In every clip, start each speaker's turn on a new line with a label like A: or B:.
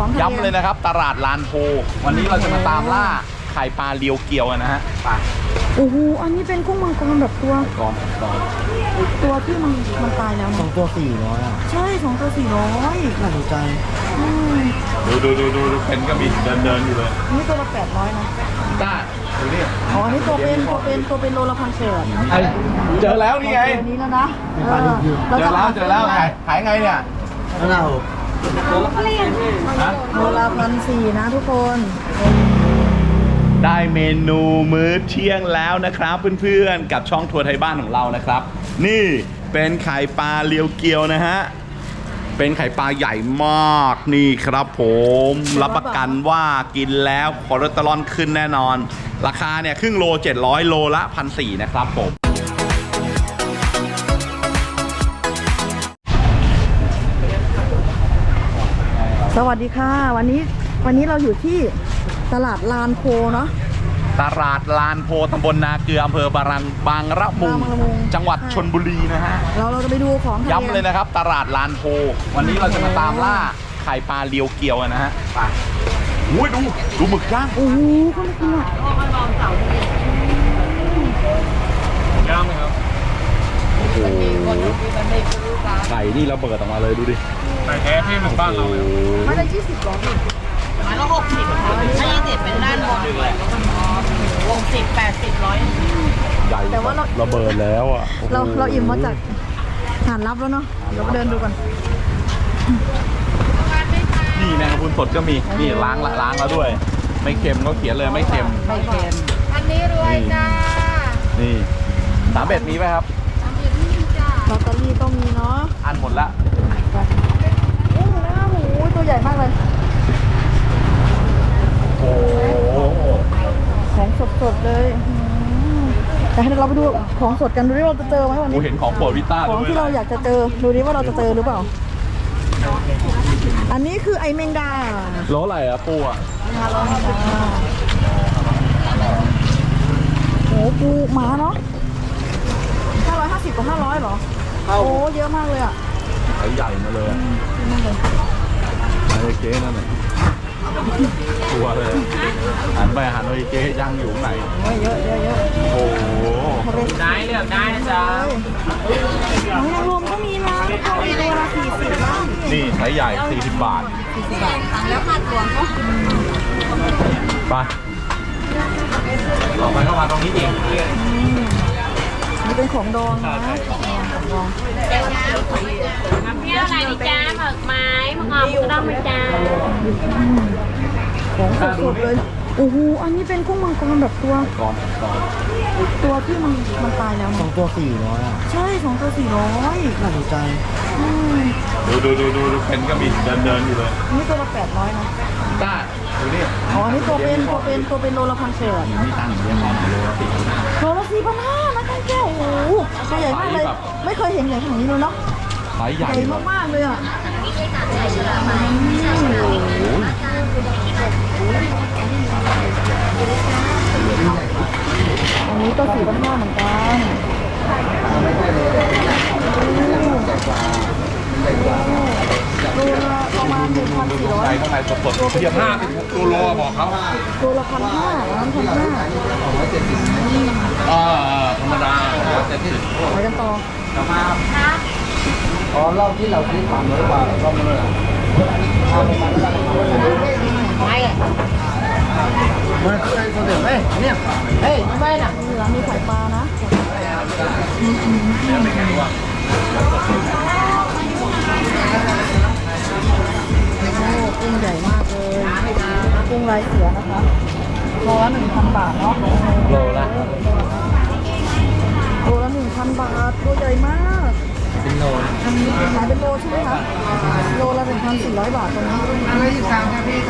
A: ย้ำเลยนะครับตลาดลานโพวันนี้เราจะมาตามล่าไข่ปลาเรียวเกียวนะฮะปลา
B: โอ้โหอันนี้เป็นกุ้งมังกรแบบตัวที่มันตายแล้วนะ
C: 2 ตัว 400อ่ะ
B: ใช่2 ตัว 400
C: น่าสนใจ
A: ดูเป็นก็มีเดินอยู่เลย
B: นี่ตัวละ800นะ
A: จ้าดูนี่
B: อ๋อนี่ตัวเป็นโลละ1,800
A: เจอแล้วนี่ไง
B: นี้แล้วนะ
A: เจอแล้วขายไงเนี่ย
C: เรา
B: โลละ1,400นะทุกคน
A: ได้เมนูมื้อเที่ยงแล้วนะครับเพื่อนๆกับช่องทัวร์ไทยบ้านของเรานะครับนี่เป็นไข่ปลาเรียวเกียวนะฮะเป็นไข่ปลาใหญ่มากนี่ครับผมรับประกันว่ากินแล้วคอเลสเตอรอลขึ้นแน่นอนราคาเนี่ยครึ่งโล700โลละ 1,400 นะครับผม
B: สวัสดีค่ะวันนี้เราอยู่ที่ตลาดลานโพเนาะ
A: ตลาดลานโพตำบลนาเกลืออำเภอบางระมุงจังหวัดชลบุรีนะฮะ
B: เราจะไปดูของ
A: ย้ำเลยนะครับตลาดลานโพวันนี้เราจะมาตามล่าไข่ปลาเรียวเกียวนะฮะปลาอุ้ยดูหมึกย่าง
B: โอ้โหเขาไม่กินอ่ะ
A: ย่างไหมครับโอ้โหไก่นี่ระเบิดออกมาเลยดูดิไก่แท้ที่มันบ้านเราเลย
B: ไม่ได้20 หรอพี่
D: ไม้ละ60ถ้า20เป็นด้านบน60 80 100
A: ใหญ่แต่ว่าระเบิดแล้วอ่ะ
B: เราอิ่มมาจากหาดลับแล้วเนาะเราไปเดินดูกัน
A: นี่แมงกะพรุนสดก็มีนี่ล้างแล้วด้วยไม่เค็มก็เขียนเลยไม่เค็ม
D: อันนี้รวยจ้า
A: นี่3 เบ็ดมีไหมครับ
B: ลอตเตอรี่ก็มีเนาะ
A: อันหมดละ
B: โอ้โหตัวใหญ่มากเลย
A: โอ้
B: ของสดๆเลยแต่ให้เราไปดูของสดกันดูดิเราจะเจอไหมวันนี้
A: เห็นของโปรดวิต้า
B: ของที่เราอยากจะเจอดูดิว่าเราจะเจอหรือเปล่าอันนี้คือไอแมงดา
A: โลอะไรอะปูอะ
B: โอ้ปูหมาเนาะ550 กับ 500หรอโอ้เยอะมากเลยอ่ะ
A: ใหญ่มาเลยไอ้เจ๊นั่นแหละตัวเลยหันไปเจ๊ย่างอยู่ไหน
B: เยอะ
A: โอ้โห
D: ได้เลือกได้นะจ๊ะ
B: รวมก็มีนะตัวละ40นะ
A: นี่ไซส์ใหญ่40 บาท
B: แล้วค่าตัวเขา
A: ไปต่อไปเข้ามาตรงนี้อีก
B: นี่เป็นของดองนะของดอง
D: น้ำเปรี้ยวอะไรดิจ้าหมึกไม้หมึกงอมก็ต้องมาจ้า
B: ของสดๆเลยโอ้โหอันนี้เป็นกุ้งมังกรแบบตัวที่มันตายแล้วนะ
C: 2 ตัว 400อ่ะ
B: ใช่2 ตัว 400
C: น่าสนใจ
A: ดูเป็นก็มีเดินอยู่เลย
B: นี่ตัวละ800นะ
A: จ้าดูนี่
B: อ๋อนี่ตัวเป็นโลละ1,800
A: มีตังค์เยอะมาก
B: โลละ4,500นะท่านแก้วโอ้โหตัวใหญ่มากเลยไม่เคยเห็นใหญ่ขนาดนี้เลยเนาะ
A: ไซส์ใหญ่
B: มากเลยอ่ะอันนี้ก็4,500เหมือนกันโลละประมาณ 1,400
A: ข้างในสดๆเทียบ5ตัวโลบอกเขา
B: ตัวละ1,500ร้าน1,500
A: ธรรมดา170
B: ไปกันต่อ
C: รอบที่เราซื้อผ่านหรือเปล่ารอบเลย
D: ไม่
C: มันเคยคนเดียวเนี่ย
D: ไม่น่ะ
B: ร้านมีไข่ปลานะกุ้งใหญ่มากเลยกุ้งลายเสือนะคะโลละ 1,000 บาทเนาะ
A: โลละ
B: 1,000 บาทตัวใหญ่มาก
C: เป็นโล
B: ขายเป็นโลใช่ไหมคะโลละ 1,400 บาทตรงนี้อะไรอีก3ครับพี่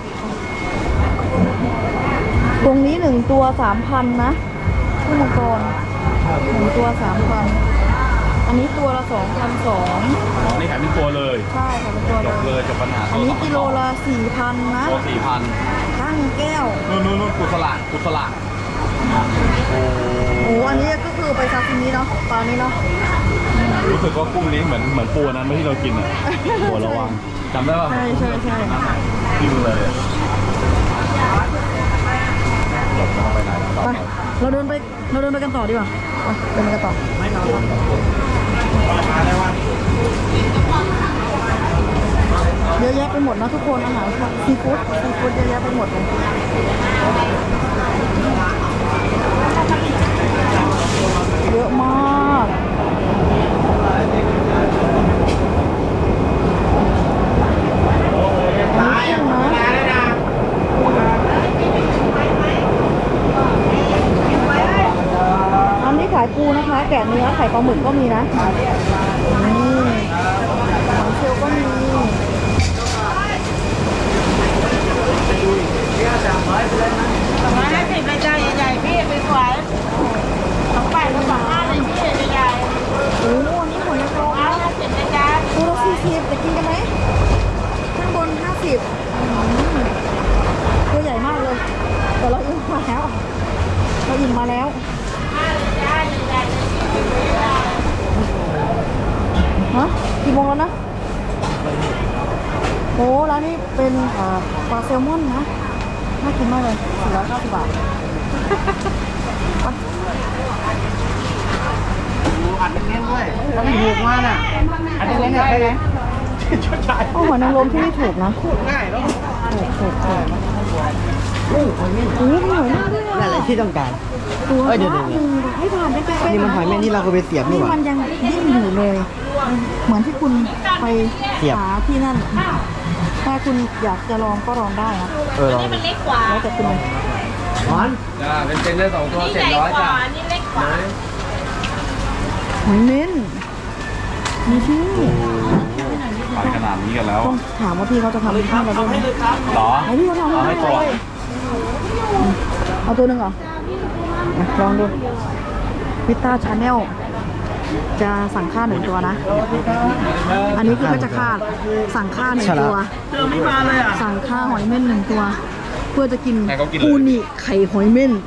B: ตรงนี้1 ตัว 3,000 นะกุ้งมังกร1 ตัว 3,000อันนี้ตัวละ 2,200
A: นี่ขายเป็นตัวเลย
B: ใช่ขายเป็นตัว
A: เลยจบปัญหา
B: อันนี้กิโลละ 4,000 นะ
A: ตัว 4,000
B: ตั้งแก้ว
A: นู่นกุศล
B: โอ้อันนี้ก็คือไปซาซิมิเนาะปลานี้เนาะ
A: รู้สึกว่ากุ้งนี้เหมือนปูนั้นไม่ที่เรากินอ่ะหัวระวังจำได้ป่ะ
B: ใช่
A: กินเลย
B: ไปเราเดินไปกันต่อดีกว่าไปเดินไปกันต่อเยอะแยะไปหมดนะทุกคนอาหารซีฟู้ดเยอะแยะไปหมดเลยเยอะมากอันนี้ขายปูนะคะแกะเนื้อไข่ปลาหมึกก็มีนะนี่หอยเชลล์ก็มี
D: 150เลยจ้าใหญ่ๆพี่เป็นสวย28กับ25เลยพี่ใหญ่
B: โอ้โหอันนี้หอยนางรม
D: 50เลยจ้า
B: ตัวละ40จะกินกันไหมข้างบน50ตัวใหญ่มากเลยแต่เราอิ่มมาแล้วฮะกี่โมงแล้วนะโอ้ร้านนี้เป็นปลาแซลมอนนะน่ากินมากเลย490 บาท
C: อัดเน้นด้วยแล้วมีถูกมากน่ะอัดเน้นเนี่ยใครนะช่วยจ่าย
B: โอ้หอยนางรมที่นี่ถูกนะถูก
C: ง่ายแล้ว
B: โอ้มีหอยนางรมด้วย
C: นั่นแหละที่ต้องการ
B: ตัว
C: เดี๋ยว
B: ละหนึ่งให้ผ่านได้เป็นๆ
C: นี่มันหอยแม่นี่เราเคยไปเสียบนี่
B: นี่
C: หว่า
B: มันยังดิ้นอยู่เลย เหมือนที่คุณไป
C: เสียบ
B: หาที่นั่น ถ้าคุณอยากจะลองก็ลองได้นะ
C: ลอง
D: มันเล็กกว่า
B: แล้วแต่คุณเลย
C: ร้อนเป็นได้2 ตัว
D: นี่ใหญ่กว่านี่เล็กกว่า
B: หอยเน้นมีที่นี่
A: ขายขนาดนี้กันแล้ว
B: ต้องถามว่าพี่เขาจะทำให้เราด้วยไหม
A: หรอ
B: ให้พี่เขาทำ
A: เอาให้
B: ให้
A: ตัว
B: เลยเอาตัวหนึ่งเหรอมาลองดูพิต้าชาแนลจะสั่งค่า1 ตัวนะ อันนี้คือก็จะค่าสั่งค่า1 ตัวสั่งค่าหอยเม่น1 ตัว เพื่อจะกินอูนิไข่หอยเม่น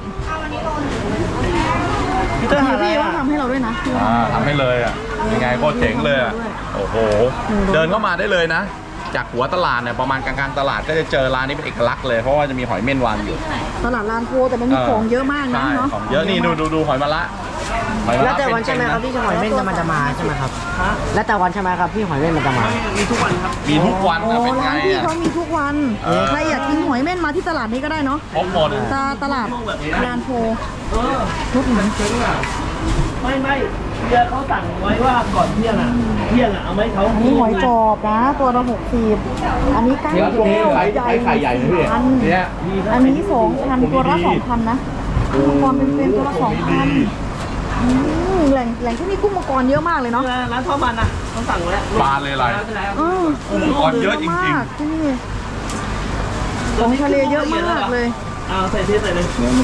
B: พี่เขาทำให้เราด้วยนะ
A: ทำให้เลยอ่ะยังไงก็เจ๋งเลยอ่ะโอ้โหเดินเข้ามาได้เลยนะ จากหัวตลาดเนี่ยประมาณกลางๆตลาดก็จะเจอร้านนี้เป็นเอกลักษณ์เลยเพราะว่าจะมีหอยเม่นวางอยู่
B: ตลาดลานโพแต่มันมีของเยอะมากนะ
A: ใช่
B: เนาะ
A: ของเยอะนี่ดูหอยมะละหอยมะ
C: แล้
A: ละ
C: วแต่วันใช่ไหมครับที่หอยเม่นมันจะมาใช่ไหมครับแล้วแต่วันใช่ไหมครับที่หอยเม่นมันจะมา
A: มีทุกวัน
B: โอ้
A: นะเป็นไง
B: ร้านพี่
A: อ่ะ
B: เขามีทุกวัน ใครอยากกินหอยเม่นมาที่ตลาดนี้ก็ได้เนาะ
A: ครบหมด
B: ตลาดลานโพทุกหนึ่ง
E: ไม่เรือเขาสั่งไว้ว่าก่อนเที่ยงเอาไหมเขา
B: อันนี้หอยจอบนะตัวละ60อันนี้ก้างแก้วใหญ่พันอันนี้2,000ตัวละ2,000นะกุ้งมังกรเป็นตัวละ2,000แหล่งที่นี่กุ้งมังกรเยอะมากเลยเนาะ
E: ร้านทอดมันนะเขาสั่งไว้
A: ปลาเลยอะไร กุ้งมังกรเยอะจริง
B: มากที่นี่ของทะเลเยอะมากเลย
E: เอาใส่เทใส่เลย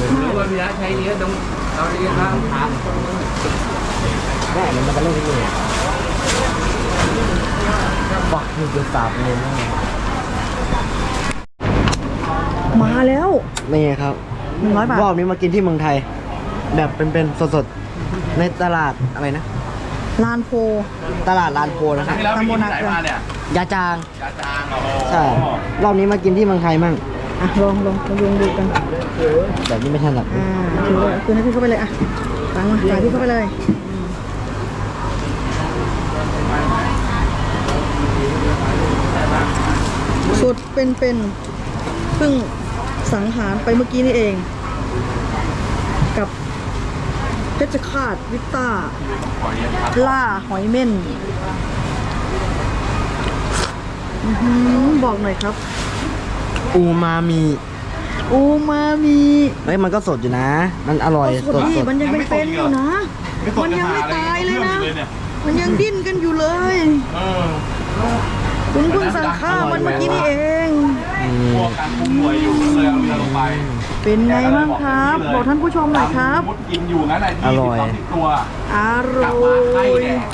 C: ได้มันจะเล่นที่นี่บักอยู่จะสาบเลยนะ
B: มาแล้ว
C: นี่ครับ
B: 100 บาท
C: รอบนี้มากินที่เมืองไทย แบบเป็นสดๆในตลาดอะไรนะ
B: ลานโพ
C: ตลาดลานโพนะ
A: ๆ
C: ครับ
A: ที่แล้วมีที่ไหนมาเนี่ย
C: ยาจาง
A: ยาจางโอ้โห
C: ใช่รอบนี้มากินที่เมืองไทยมั่ง
B: อ่ะลองดูกัน
C: แบบนี้ไม่ถนัด
B: ถือว่าคืนให้พี่เข้าไปเลยอ่ะตังมาจ่ายพี่เข้าไปเลยสดเป็นเพิ่งสังหารไปเมื่อกี้นี่เอง กับเพชรฆาตวิตต้าล่าหอยเม่นบอกหน่อยครับ
C: อูมามิ
B: อูมามิ
C: เฮ้ยมันก็สดอยู่นะ มันอร่อย
B: สดดิมันยังเป็นอยู่นะ มันยังไม่ตายเลยนะ มันยังดิ้นกันอยู่เลย คุณเพิ่งสั่งข้าวมันเมื่อกี้นี่เอง
A: พวกการคุ้มหน่วยอยู่ก็เลยเอาเรือลงไป
B: เป็นไงบ้างครับ บอกท่านผู้ชมหน่อยครับ
A: มุดกินอยู่งั้นไอ้ที่30 ตัว
B: อร่
A: กลับมาไข่
B: อย
A: แดง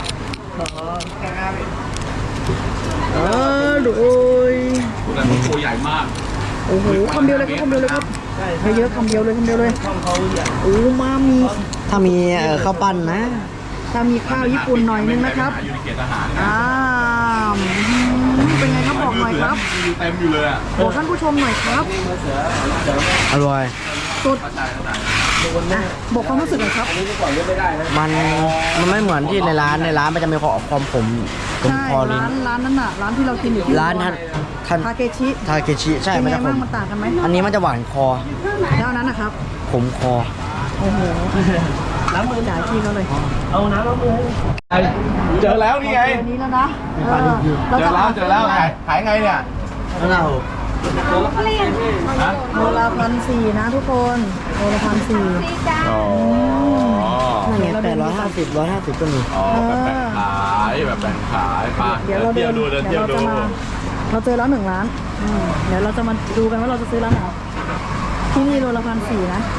B: อร่อย
A: แต่มันตัวใหญ่มาก
B: โอ้โหคำเดียวเลยครับคำเดียวเลยครับไม่เยอะคำเดียวเลยอูมามิ
C: ถ้ามีข้าวปั้นนะ
B: ถ้ามีข้าวญี่ปุ่นหน่อยนึงนะครับ
A: อยู่ในเขตทหาร
B: อ้ามเป็นไงครับบอกหน่อยครับ
A: มีเต็มอยู่เลยอ่ะ
B: บอกท่านผู้ชมหน่อยครับ
C: อร่อย
B: สุดอ่ะบอกความรู้สึกหน่อยครับ
C: มันไม่เหมือนที่ในร้านมันจะมีความผมตรง
B: ใช่
C: คอลิ้น
B: ร้านนั้นน่ะร้านที่เรากินอยู่ที่
C: ร้านท่าน
B: ทาเกชิ
C: ทาเคชิใช่
B: เป็น
C: มัน
B: ไง
C: จะผ
B: บ้าง
C: ม
B: มันต่างกันไหม
C: อันนี้มันจะหวานคอ
B: แล้วอันนั้นนะครับ
C: ผมคอ
B: โอ้โหล้างมือจ่ายที่เขาเลย
E: เอาน้ำล้างมือให้
A: เจอแล้วนี่ไง
B: เจอนี้แล้วนะเรา
A: เจ
B: จะ
A: อแล้วเจอแล้วขายไงเนี่ย
C: แล้วเรา
A: ฮะ
B: โลละ1,400นะทุกคนโลละ1,400
A: อ๋อ
C: นั่นไง150ก็มี
A: อ๋อแบบแบ่งขายแบบแบ่งขายไป
B: เดี๋ยวเรา
A: เที่ยวดูเดินเที่ยวดู
B: เราเจอแล้ว1 ร้านเดี๋ยวเราจะมาดูกันว่าเราจะซื้อร้านไหนที่นี่โลละ1,400นะ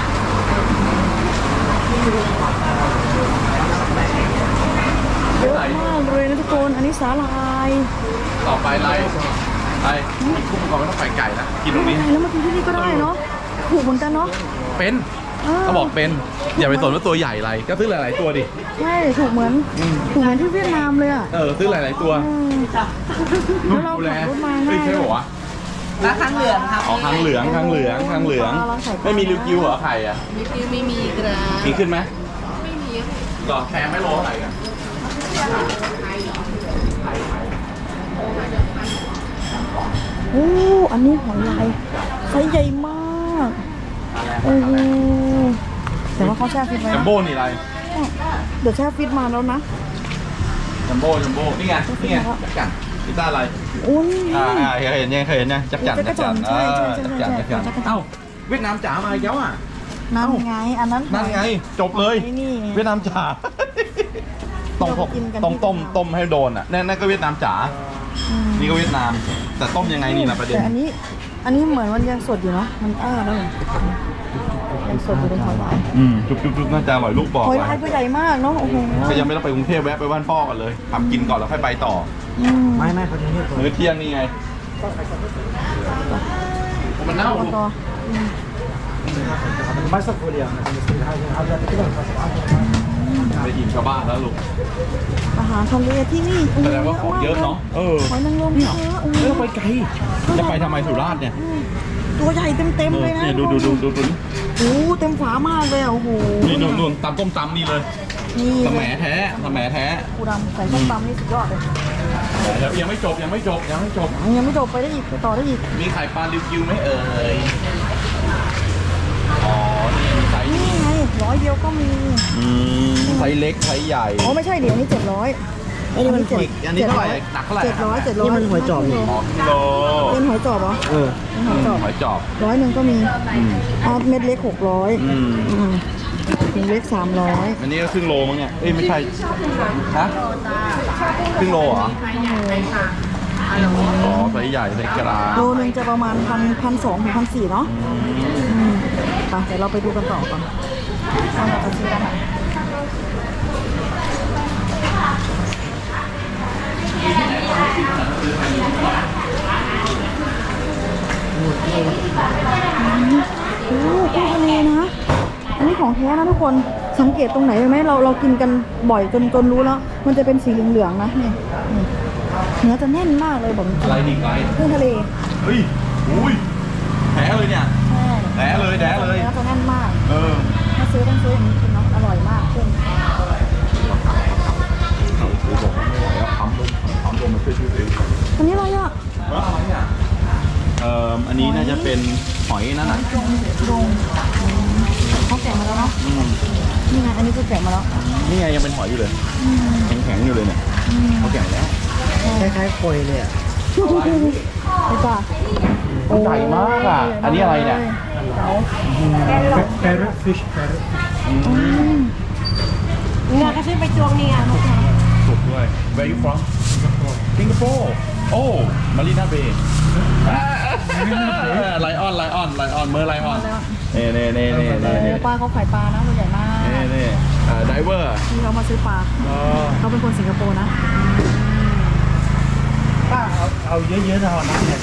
B: เยอะมากเลยนะทุกคนอันนี้สาหร่าย
A: ต่อไปอะไรกุ้งก่อนไม่ต้องใส่ไก่นะกินตรงนี้
B: แล้วมากินที่นี่ก็ได้เนาะถูกเหมือนกันเนาะ
A: เป็นเขาบอกเป็นอย่าไปสนว่าตัวใหญ่อะไรก็ซื้อหลายๆตัวดิ
B: ใช่ถูกเหมือนที่เวียดนามเลยอ่ะ
A: ซื้อหลายๆตัว
B: แล้วเราขับรถมา
A: ไม่
B: ง่าย
A: ใช่หรอวะ
D: ราคาเหลืองครับ
A: อ๋อคางเหลืองไม่มีริวกิวเหรอไข่อ่ะ
D: มีคิวไม่มีกระ
A: มีขึ้นไหมไม่มีหรอแพงไม่โลเท่าไหร่กัน
B: โอ้อันนี้หอยลายไซส์ใหญ่มากโอ้โหแต่ว่าเขาแช่ฟิตไว้
A: จัม
B: นะ
A: โบ้นี่อะไร
B: เดี๋ยวแช่ฟิตมาแล้วนะ
A: จัมโบ้นี่ไงจักจั่นพิซซ่าอะไร
B: อุ้ย
A: เคยเห็นยังจักจั่น
B: จักรจั่นใช่
A: เอ้าเวียดนามจ๋ามาอีกแล้วอ่ะ
B: นั่นไงอันนั้น
A: นั่นไงจบเลย
B: นี่
A: เวียดนามจ๋าต้อง
B: เรากินกัน
A: ต้องต้มให้โดนอ่ะนั่นก็เวียดนามจ๋านี่ก็เวียดนาม แต่ต้มยังไงนี่นะประเด็น
B: แต่อันนี้เหมือนมันยังสดอยู่เนาะมันแล้วยังสดอยู่ในหอยลาย
A: จุ๊บน่าจะอร่อยลูกบอก
B: หอย
A: ไว้
B: ลายตัวใหญ่มากเนาะโอ้โห
A: ก็ยังไม่ต้องไปกรุงเทพแวะไปบ้านพ่อกันเลยทำกินก่อนแล้วค่อยไปต่อ
C: ไม่เขาจะเรียก
A: มื้อเที่ยงนี่ไงมันเน่า
B: ต่อ
A: ไปอิ่มชาวบ้านแล้วลูก
B: อาหารทะเลที่นี่
A: แสดงว่าของเยอะเนาะ
B: หอยนางรมเยอะ
A: ไม่ต้องไปไกลจะไปทำไมสุราษฎร์เนี่ย
B: ตัวใหญ่เต็มเลยนะ
A: เนี่ยดู
B: โอ้เต็มฝามากเลยอ่ะโอ้โห
A: นี่นู่นตำต้มตำนี่เลย
B: นี่
A: สแหมแท้
B: ปูดำใส่ส้มตำนี่สุดยอดเลย
A: ยังไม่จบ
B: ยังไม่จบไปได้อีกไปต่อได้อีก
A: มีไข่ปลาริวกิวไหมเอ่ยอ๋อนี่มีไซส์
B: นี่ไง100 เดียวก็มี
A: ไซส์เล็กไซส์ใหญ่
B: อ๋อไม่ใช่เดี๋ยวนี้700
C: อันนี้มันหอย
A: อันนี้เท่าไหร่หนักเท่าไหร่
B: 700
C: นี่มันหอยจอบนี่
A: อ๋อกิโล
B: เป็นหอยจอบเหรอ เป็นหอยจอบ
A: หอยจอบ
B: 100ก็มีเม็ดเล็ก600ถุงเล็ก300
A: อันนี้ก็ครึ่งโลมั้งเนี่ยเอ้ยไม่ใช่ฮะครึ่งโลเหรออ๋อไซส์ใหญ่ไซส์กลาง
B: โลนึงจะประมาณ1,200 ถึง 1,400เนาะไปเดี๋ยวเราไปดูกันต่อก่อนว่าเราจะซื้อร้านไหนโอ้กุ้งทะเลนะ อันนี้ของแท้นะทุกคน สังเกตตรงไหนไหมเรากินกันบ่อยจนรู้แล้ว มันจะเป็นสีเหลืองๆนะนี่เนื้อจะแน่นมากเลยบอกจริง
A: อะไรนี่ไง
B: กุ้งทะเล
A: เฮ้ยอุ้ยแท้เลยเนี่ย
B: ใช่
A: แท้เลย
B: เนื้อจะแน่นมาก ถ้าซื้อต้องซื้ออย่างนี้กินเนาะอร่อยมากกุ้ง
A: เขาบอกว่าไม่ไหวแล้วปั๊มลมมาช่วยชีวิตเอง
B: อันนี้อะไรอ่ะ
A: อะไรอ่ะอันนี้น่าจะเป็นหอยนั่นน่ะ
B: ดงเขาแกะมาแล้วเนาะนี่ไงอันนี้ก็แกะมาแล้ว
A: นี่ไงยังเป็นหอยอยู่เลยแข็งๆอยู่เลยเนี่ยเขาแกะแล้ว
C: คล้ายๆโคยเลยอ่ะ
B: ไปจ้ะ
A: ใหญ่มากอ่ะอันนี้อะไรเนี่ย
C: parrot fish
D: เนี่ยก็ใช้ไปจวงเนี่ย
A: สุกด้วย Where you from Singapore โอ้ Marina Bay ไลออนเมอร์ไลออนเน่
B: ปลาเขาขายปลานะตัวใหญ่มาก
A: ไดเวอร์
B: ที่เขามาซื้อปลาเขาเป็นคนสิงคโปร์นะ
C: ป้าเอาเยอะๆเท่านั้นเนี่ย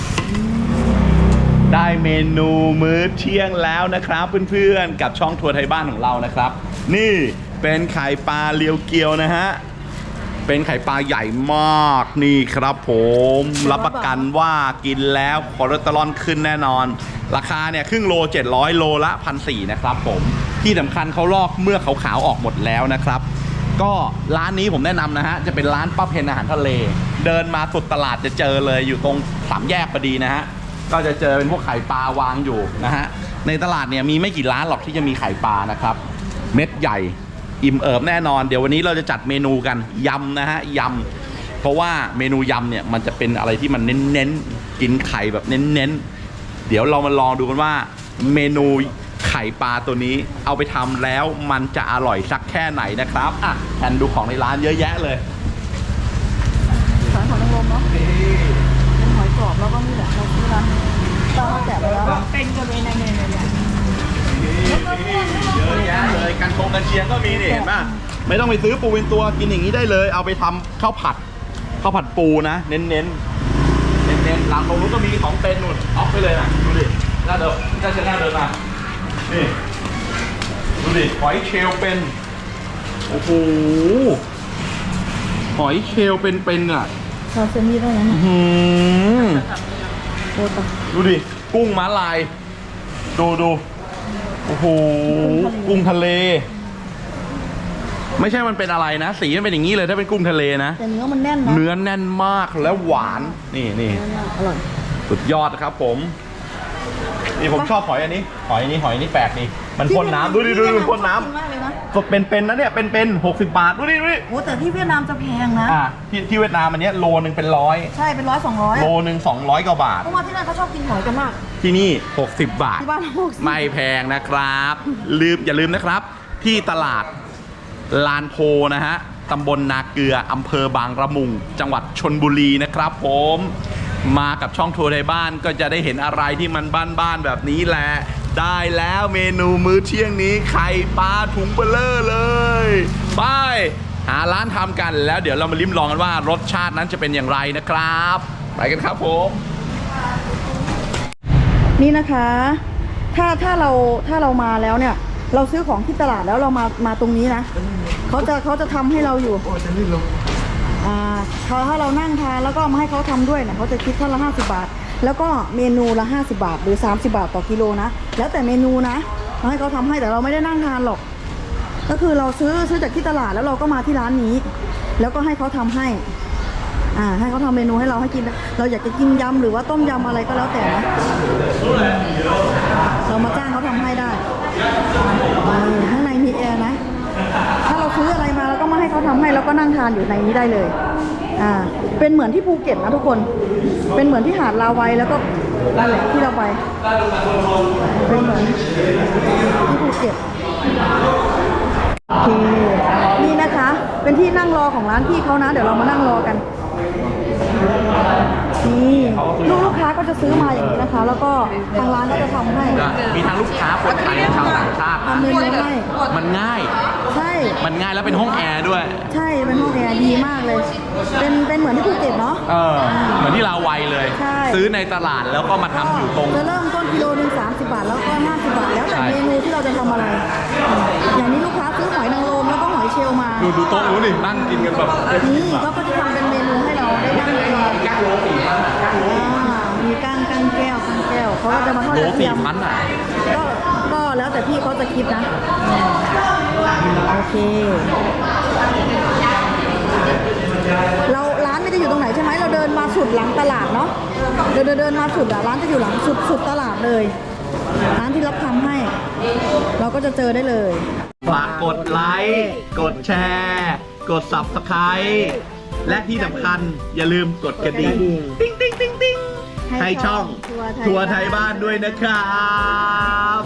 A: ได้เมนูมื้อเที่ยงแล้วนะครับเพื่อนๆกับช่องทัวร์ไทยบ้านของเรานะครับ นี่เป็นไข่ปลาเรียวเกียวนะฮะเป็นไข่ปลาใหญ่มากนี่ครับผมรับประกันว่ากินแล้วคอเลสเตอรอลขึ้นแน่นอนราคาเนี่ยครึ่งโล700โลละ 1,400 นะครับผมที่สำคัญเขาลอกเมื่อกขาวๆออกหมดแล้วนะครับก็ร้านนี้ผมแนะนำนะฮะจะเป็นร้านป้าเพนอาหารทะเลเดินมาสุดตลาดจะเจอเลยอยู่ตรง3 แยกพอดีนะฮะก็จะเจอเป็นพวกไข่ปลาวางอยู่นะฮะในตลาดเนี่ยมีไม่กี่ร้านหรอกที่จะมีไข่ปลานะครับเม็ดใหญ่อิ่มเอิบแน่นอนเดี๋ยววันนี้เราจะจัดเมนูกันยำนะฮะยำเพราะว่าเมนูยำเนี่ยมันจะเป็นอะไรที่มันเน้นๆกินไข่แบบเน้นๆเดี๋ยวเรามาลองดูกันว่าเมนูไข่ปลาตัวนี้เอาไปทำแล้วมันจะอร่อยสักแค่ไหนนะครับอ่ะแทนดูของในร้านเยอะแยะเลย
B: สายหอยนางรมเนาะเป็นหอยกรอบแล้วก็นี่แหละเราซื้อร้านป้าเขาแกะไปแล้ว
D: เป็นกันเลยในเนี่ย
A: เยอะแยะเลยกันเชียงก็มีนี่เห็นป่ะไม่ต้องไปซื้อปูเป็นตัวกินอย่างนี้ได้เลยเอาไปทำข้าวผัดปูนะเน้นหลังตรงนู้นก็มีของเป็นนู่นออฟไปเลยนะดูดิน่าเดินน่าเดินมานี่ดูดิหอยเชลล์เป็นโอ้โหหอยเชลล์เป็นอ่ะ
B: ซาซิมิได้ยัง โอ้ตะ
A: ดูดิกุ้งม้าลายดูโอ้โหกุ้งทะเลไม่ใช่มันเป็นอะไรนะสีมันเป็นอย่างนี้เลยถ้าเป็นกุ้งทะเลนะ
B: แต่เนื้อมันแน่นนะ
A: เนื้อแน่นมากแล้วหวานนี่
B: อร่อย
A: สุดยอดครับผมนี่ผมชอบหอยอันนี้แปลกดีมันพ่นน้ำดูดิมันพ่นน้
B: มากเลยนะ
A: ำสดเป็นนะเนี่ยเป็น60 บาทดูดิ
B: โอ้แต่ที่เวียดนามจะแพงนะ
A: ที่เวียดนามอันเนี้ยโลนึงเป็น100
B: ใช่เป็น100-200
A: โลนึง200 กว่าบาท
B: เพราะว่าที่นั่นเขาชอบกินหอยกันมาก
A: ที่นี่60 บาท
B: ที่บ้านเรา60
A: ไม่แพงนะครับอย่าลืมนะครับที่ตลาดลานโพนะฮะตำบลนาเกลืออำเภอบางละมุงจังหวัดชลบุรีนะครับผมมากับช่องทัวร์ไทยบ้านก็จะได้เห็นอะไรที่มันบ้านๆแบบนี้แหละได้แล้วเมนูมื้อเที่ยงนี้ไข่ปลาถุงเบลอเลยไปหาร้านทำกันแล้วเดี๋ยวเรามาลิ้มลองกันว่ารสชาตินั้นจะเป็นอย่างไรนะครับไปกันครับผม
B: นี่นะคะถ้าเรามาแล้วเนี่ยเราซื้อของที่ตลาดแล้วเรามาตรงนี้นะเขาจะทำให้เราอยู่ถ้าเรานั่งทานแล้วก็มาให้เขาทำด้วยเนี่ยเขาจะคิดท่านละ50 บาทแล้วก็เมนูละ50 บาทหรือ30 บาทต่อกิโลนะแล้วแต่เมนูนะเราให้เขาทำให้แต่เราไม่ได้นั่งทานหรอกก็คือเราซื้อจากที่ตลาดแล้วเราก็มาที่ร้านนี้แล้วก็ให้เขาทำให้ให้เขาทำเมนูให้เราให้กินเราอยากจะกินยำหรือว่าต้มยำอะไรก็แล้วแต่นะเรามาจ้างเขาทำให้ได้ข้างในมีแอร์นะถ้าเราซื้ออะไรมาแล้วก็มาให้เขาทำให้แล้วก็นั่งทานอยู่ในนี้ได้เลยเป็นเหมือนที่ภูเก็ตนะทุกคนเป็นเหมือนที่หาดลาวัยแล้วก็นั่นแหละที่เราไปเป็นเหมือนที่ภูเก็ตโอเคนี่นะคะเป็นที่นั่งรอของร้านพี่เขานะเดี๋ยวเรามานั่งรอกันนี่ลูกค้าก็จะซื้อมาอย่างนี้นะคะ แล้วก็ทางร้านก็จะทำให้
A: มีทั้งลูกค้าคนไทยและชาวต่างชาติ
B: ทำเมนูให้
A: มันง่าย
B: ใช่
A: มันง่ายแล้วเป็นห้องแอร์ด้วย
B: ใช่เป็นห้องแอร์ดีมากเลยเป็นเหมือนที่ภูเก็ตเนาะ
A: เหมือนที่ลาวัยเลยซื้อในตลาดแล้วก็มาทำอยู่ตรง
B: จะเริ่มต้นกิโลนึง30 บาทแล้วก็50 บาทแล้วแต่เมนูที่เราจะทำอะไรอย่างนี้ลูกค้าซื้อหอยนางรมแล้วก็หอยเชลล์มา
A: ดูโต๊ะนู้นดินั่งกินกันแบบ
B: นี่ก็จะทำเป็นเมนูให้เราได้นั่งกิน
A: ก้างโล4,000
B: มีก้างแก้วเขาก็จะมาทอดกระเทียมก็แล้วแต่พี่เขาจะคิดนะโอเคเราร้านไม่ได้อยู่ตรงไหนใช่ไหมเราเดินมาสุดหลังตลาดเนาะเดินมาสุดร้านจะอยู่หลังสุดตลาดเลยร้านที่รับทำให้เราก็จะเจอได้เลย
A: ฝากกดไลค์กดแชร์กด Subscribe และที่สำคัญอย่าลืมกดกระดิ่งติ๊งให้ช่องทัวร์ไทยบ้านด้วยนะครับ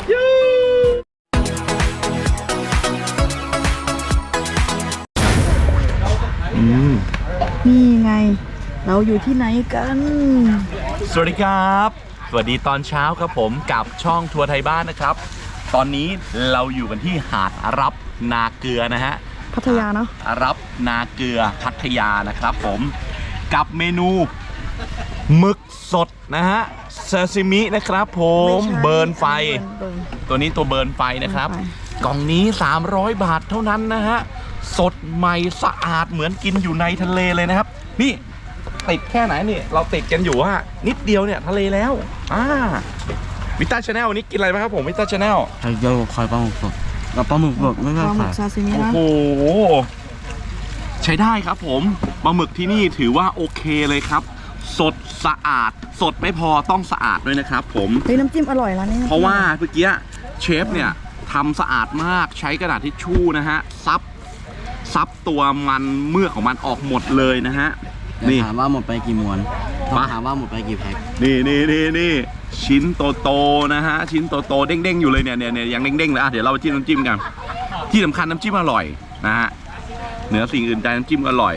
B: นี่ไงเราอยู่ที่ไหนกัน
A: สวัสดีครับสวัสดีตอนเช้าครับผมกับช่องทัวร์ไทยบ้านนะครับตอนนี้เราอยู่กันที่หาดอารับนาเกลือนะฮะ
B: พัทยาเนาะ
A: อารับนาเกลือพัทยานะครับผมกับเมนูหมึกสดนะฮะซาซิมินะครับผมเบิร์นไฟตัวนี้ตัวเบิร์นไฟนะครับกล่องนี้300 บาทเท่านั้นนะฮะสดใหม่สะอาดเหมือนกินอยู่ในทะเลเลยนะครับ นี่ติดแค่ไหนนี่เราติดกันอยู่ว่านิดเดียวเนี่ยทะเลแล้ววิต้าชาแนลวันนี้กินอะไรไหมครับผมวิต้าชาแนล
C: ไข่เจียวไข่ปลาหมึกสดกับปลาหมึกสดไม่
B: ป
C: ใช่
B: ลาหมึ
C: ไข่
B: กซาซิมิ
A: โอ้
B: นะ
A: โหใช้ได้ครับผมปลาหมึกที่นี่ถือว่าโอเคเลยครับ สดสะอาดสดไม่พอต้องสะอาดด้วยนะครับผม
B: เฮ้ยน้ำจิ้มอร่อยร้านนี้
A: เพราะว่าเมื่อกี้เชฟเนี่ยทำสะอาดมากใช้กระดาษทิชชู่นะฮะซับตัวมันเมือกของมันออกหมดเลยนะฮะนี่
C: ถามว่าหมดไปกี่ม้วน
A: มา
C: ถามว่าหมดไปกี่แพ็ค
A: นี่ชิ้นโตๆนะฮะชิ้นโตๆเด้งๆอยู่เลยเนี่ยยังเด้งๆเลยเดี๋ยวเราไปจิ้มน้ำจิ้มกันที่สำคัญน้ำจิ้มอร่อยนะฮะเหนือสิ่งอื่นใดน้ำจิ้มอร่อย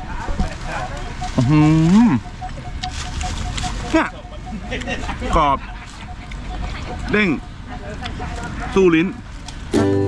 A: เนี่ยกรอบเด้งสู้ลิ้น